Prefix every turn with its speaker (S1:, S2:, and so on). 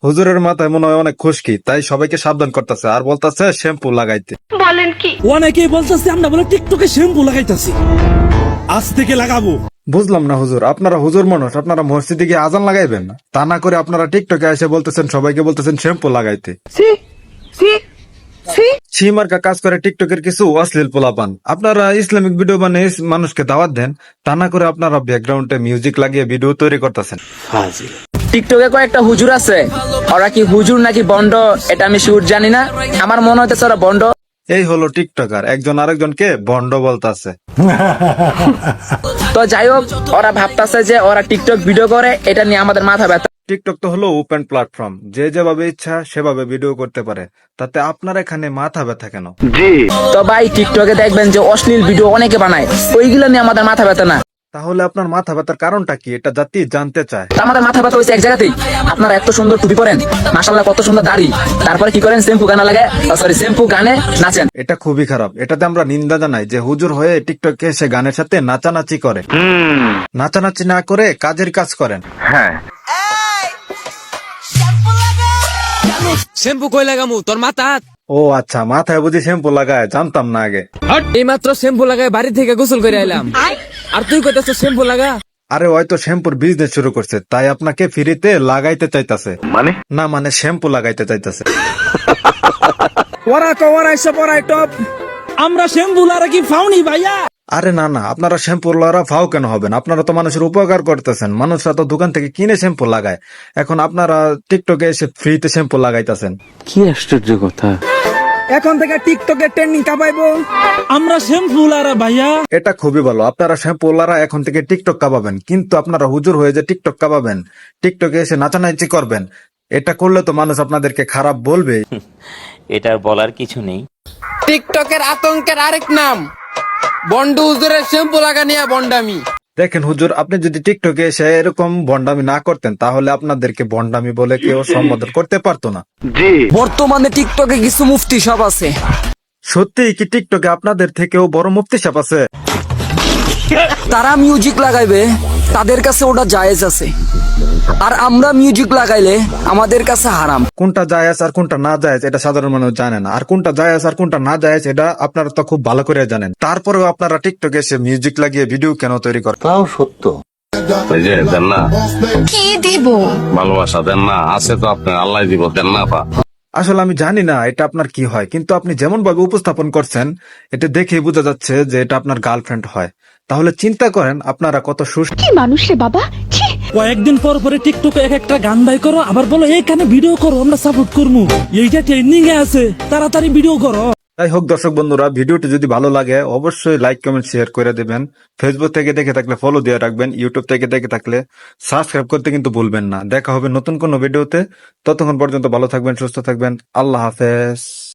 S1: হুজুরের মাথায় মনে হয় অনেক খুশকি, তাই সবাইকে সাবধান করতেছে আর বলতেছে শ্যাম্পু লাগাইতে।
S2: অনেকেই বলতেছে আমরা বলে টিকটকে শ্যাম্পু লাগাইতাছি, আজ থেকে লাগাবো।
S1: বুঝলাম না হুজুর, আপনারা হুজুর মানুষ, আপনারা মসজিদে গিয়ে আজান লাগাইবেন না, তা না করে আপনারা টিকটকে এসে বলতেছেন সবাইকে বলতেছেন শ্যাম্পু লাগাইতে। সীমার্কা কাজ করে টিকটকের কিছু অশ্লীল পোলাপান। আপনারা ইসলামিক ভিডিও বানিয়ে মানুষকে দাওয়াত দেন, তা না করে আপনারা ব্যাকগ্রাউন্ডে মিউজিক লাগিয়ে ভিডিও তৈরি করতেছেন।
S3: টিকটকে কয়েকটা হুজুর আছে, ওরা কি হুজুর নাকি বন্ড এটা আমি শিওর জানি না, আমার মনে হইতেছে ওরা বন্ড।
S1: এই হলো টিকটকার, একজন আরেকজনকে ভণ্ড বলতাছে।
S3: তো যাই হোক, ওরা ভাবতাছে যে ওরা টিকটক ভিডিও করে, এটা নিয়ে আমাদের মাথা ব্যথা।
S1: টিকটক তো হলো ওপেন প্ল্যাটফর্ম, যে যেভাবে ইচ্ছা সেভাবে ভিডিও করতে পারে, তাতে আপনার এখানে মাথা ব্যথা কেন?
S3: তো ভাই টিকটকে দেখবেন যে অশ্লীল ভিডিও অনেকে বানায়, ওইগুলো নিয়ে আমাদের মাথা ব্যথা না।
S1: তাহলে আপনার মাথা ব্যথার কারণটা কি, এটা জাতি জানতে চায়।
S3: তো আমাদের মাথা ব্যথা হয়েছে এক জায়গাতেই, আপনারা এত সুন্দর টুপি পরেন, মাশাআল্লাহ কত সুন্দর দাড়ি, তারপরে কি করেন শ্যাম্পু গানা লাগে, শ্যাম্পু গানে নাচেন।
S1: এটা খুবই খারাপ, এটাতে আমরা নিন্দা জানাই যে হুজুর হয়ে টিকটকে এসে গানের সাথে নাচানাচি করে। নাচানাচি না করে কাজের কাজ করেন।
S4: শ্যাম্পু কই লাগামু তোর মাথা?
S1: ও আচ্ছা, মাথায় বুঝি শ্যাম্পু লাগায়, জানতাম না আগে।
S4: এই মাত্র শ্যাম্পু লাগায় বাড়ি থেকে গোসল করে আইলাম, আর তুই কইতাছ শ্যাম্পু লাগা?
S1: আরে হয়তো শ্যাম্পুর বিজনেস শুরু করছে, তাই আপনাকে ফ্রিতে লাগাইতে চাইতাছে। মানে শ্যাম্পু লাগাইতে চাইতাছে।
S2: ওরা কওয়ার আইসা পড়াই টপ, আমরা শ্যাম্পু লারা কি ফাউনি ভাইয়া?
S1: আরে না না, আপনারা শ্যাম্পু লারা ফাও কেন হবেন? আপনারা তো মানুষের উপকার করতেছেন, মানুষরা তো দোকান থেকে কিনে শ্যাম্পু লাগায়, এখন আপনারা টিকটকে এসে ফ্রিতে শ্যাম্পু লাগাইতেছেন।
S5: কি আশ্চর্য কথা!
S2: এখন থেকে টিকটকে ট্রেন্ডিং কাপাইবো আমরা শ্যাম্পু লারা ভাইয়া।
S1: এটা খুবই ভালো, আপনারা শ্যাম্পু লারা এখন থেকে টিকটক কাঁপাবেন, কিন্তু আপনারা হুজুর হয়ে যে টিকটক কাঁপাবেন, টিকটকে এসে নাচানাচি করবেন, এটা করলে তো মানুষ আপনাদেরকে খারাপ বলবে।
S5: এটার বলার কিছু নেই।
S4: টিকটকের আতঙ্কের আরেক নাম বন্ড হুজুরের শ্যাম্পু লাগা নিয়ে বন্ডামি।
S1: দেখেন হুজুর, আপনি যদি টিকটকে এসে এরকম ভন্ডামি না করতেন, তাহলে আপনাদেরকে ভন্ডামি বলে কেউ সম্বোধন করতে পারতো না।
S3: বর্তমানে টিকটকে কিছু মুফতি সব আছে,
S1: সত্যি কি টিকটকে আপনাদের থেকেও বড় মুফতি সাহেব আছে?
S3: তারা মিউজিক লাগাইবে, তাদের কাছে ওটা জায়েজ আছে, আর আমরা মিউজিক লাগাইলে আমাদের কাছে হারাম।
S1: কোনটা জায়েজ আর কোনটা না জায়েজ এটা সাধারণ মানুষ জানে না, আর কোনটা জায়েজ আর কোনটা না জায়েজ এটা আপনারা তো খুব ভালো করে জানেন। তারপরেও আপনারা টিকটকে এসে মিউজিক লাগিয়ে ভিডিও কেন তৈরি করেন?
S5: তাও সত্য।
S6: ওই যে দেন না,
S7: কি দিব?
S6: ভালোবাসা দেন না, আছে তো আপনার, আল্লাহ দিব, দেন না পা।
S1: আসলে আমি জানি না এটা আপনার কি হয়, কিন্তু আপনি যেমন ভাবে উপস্থাপন করছেন, এটা দেখেই বোঝা যাচ্ছে যে এটা আপনার গার্লফ্রেন্ড হয়। তাহলে চিন্তা করেন আপনারা কত সুস্থ
S7: কি মানুষ রে বাবা, ছি।
S2: কয়েকদিন পর পরে টিকটকে এক একটা গান বাই করো, আবার বলো এইখানে ভিডিও করো, আমরা সাপোর্ট করবো, এইটা ট্রেন্ডিং এ আছে, তাড়াতাড়ি ভিডিও করো।
S1: যাই হোক দর্শক বন্ধুরা, ভিডিওটি যদি ভালো লাগে অবশ্যই লাইক কমেন্ট শেয়ার করে দেবেন। ফেসবুক থেকে দেখে থাকলে ফলো দিয়ে রাখবেন, ইউটিউব থেকে দেখে থাকলে সাবস্ক্রাইব করতে কিন্তু ভুলবেন না। দেখা হবে নতুন কোনো ভিডিওতে, ততক্ষণ পর্যন্ত ভালো থাকবেন, সুস্থ থাকবেন, আল্লাহ হাফেজ।